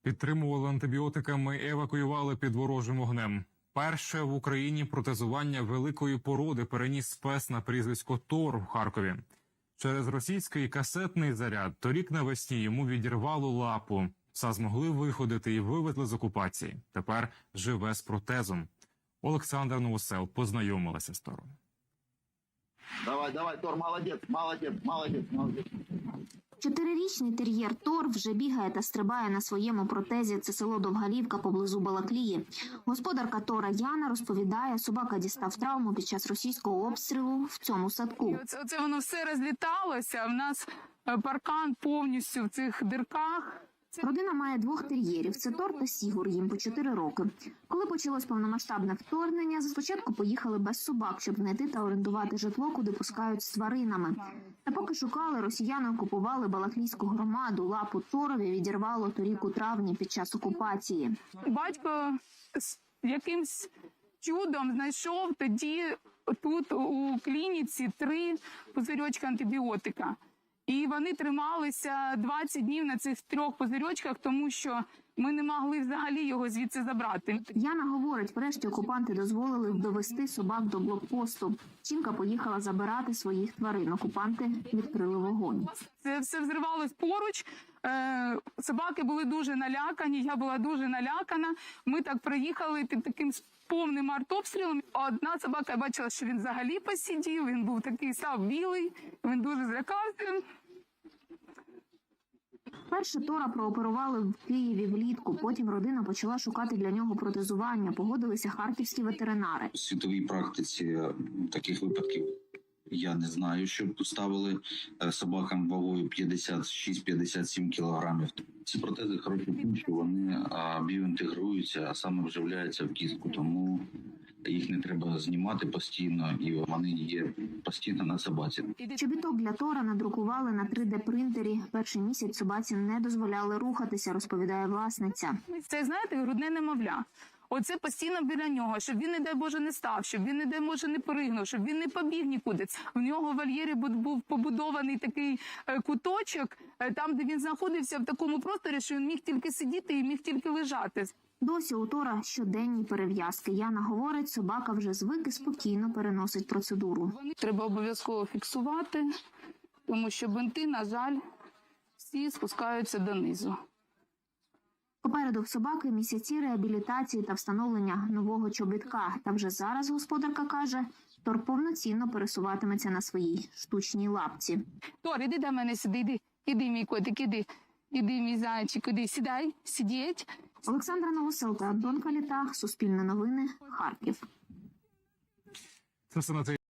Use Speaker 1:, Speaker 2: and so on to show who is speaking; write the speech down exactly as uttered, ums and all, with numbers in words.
Speaker 1: Підтримували антибіотиками і евакуювали під ворожим вогнем. Перше в Україні протезування великої породи переніс спец на прізвисько Тор в Харкові. Через російський касетний заряд торік навесні йому відірвало лапу. Пса змогли виходити і вивезли з окупації. Тепер живе з протезом. Олександр Новосел познайомилася з Тором.
Speaker 2: Давай, давай, Тор, молодець, молодець, молодець, молодець.
Speaker 3: Чотирирічний тер'єр Тор вже бігає та стрибає на своєму протезі. Це село Довгалівка поблизу Балаклії. Господарка Тора Яна розповідає, собака дістав травму під час російського обстрілу в цьому садку.
Speaker 4: Оце, оце воно все розліталося, в нас паркан повністю в цих дирках.
Speaker 3: Родина має двох тер'єрів – це Тор та Сігур, їм по чотири роки. Коли почалось повномасштабне вторгнення, спочатку поїхали без собак, щоб знайти та орендувати житло, куди пускають з тваринами. Та поки шукали, росіяни окупували Балаклійську громаду. Лапу Торові відірвало торік у травні під час окупації.
Speaker 4: Батько з якимсь чудом знайшов тоді тут у клініці три пузирьочка антибіотика. І вони трималися двадцять днів на цих трьох пузирьочках, тому що ми не могли взагалі його звідси забрати.
Speaker 3: Яна говорить, врешті окупанти дозволили довести собак до блокпосту. Жінка поїхала забирати своїх тварин. Окупанти відкрили вогонь.
Speaker 4: Це все взривалось поруч. Е, собаки були дуже налякані, я була дуже налякана. Ми так приїхали під таким повним артобстрілом. Одна собака, я бачила, що він взагалі посидів, він був такий, став білий, він дуже злякався.
Speaker 3: Перше Тора прооперували в Києві влітку, потім родина почала шукати для нього протезування. Погодилися харківські ветеринари.
Speaker 5: У світовій практиці таких випадків я не знаю, щоб ставили собакам вагою п'ятдесят шість - п'ятдесят сім кілограмів. Ці протези хороші тим, що вони біоінтегруються, а саме вживляються в кістку, тому їх не треба знімати постійно, і вони є постійно на собаці.
Speaker 3: Чобіток для Тора надрукували на три де принтері. Перший місяць собаці не дозволяли рухатися, розповідає власниця.
Speaker 4: Це, знаєте, грудне немовля. Оце постійно біля нього, щоб він, не дай Боже, не став, щоб він, не дай Боже, не перегнув, щоб він не побіг нікуди. В нього в вольєрі був побудований такий куточок, там, де він знаходився в такому просторі, що він міг тільки сидіти і міг тільки лежати.
Speaker 3: Досі у Тора щоденні перев'язки. Яна говорить, собака вже звик і спокійно переносить процедуру.
Speaker 4: Треба обов'язково фіксувати, тому що бинти, на жаль, всі спускаються донизу.
Speaker 3: Попереду в собаки місяці реабілітації та встановлення нового чобітка. Та вже зараз господарка каже, Тор повноцінно пересуватиметься на своїй штучній лапці.
Speaker 4: Тор, іди до мене сюди, іди, іди, мій котик, іди, іди, мій зайчик, іди, сідай, сидіть.
Speaker 3: Олександра Новосел та Антон Каліта, Суспільне новини, Харків.
Speaker 1: Це все на цей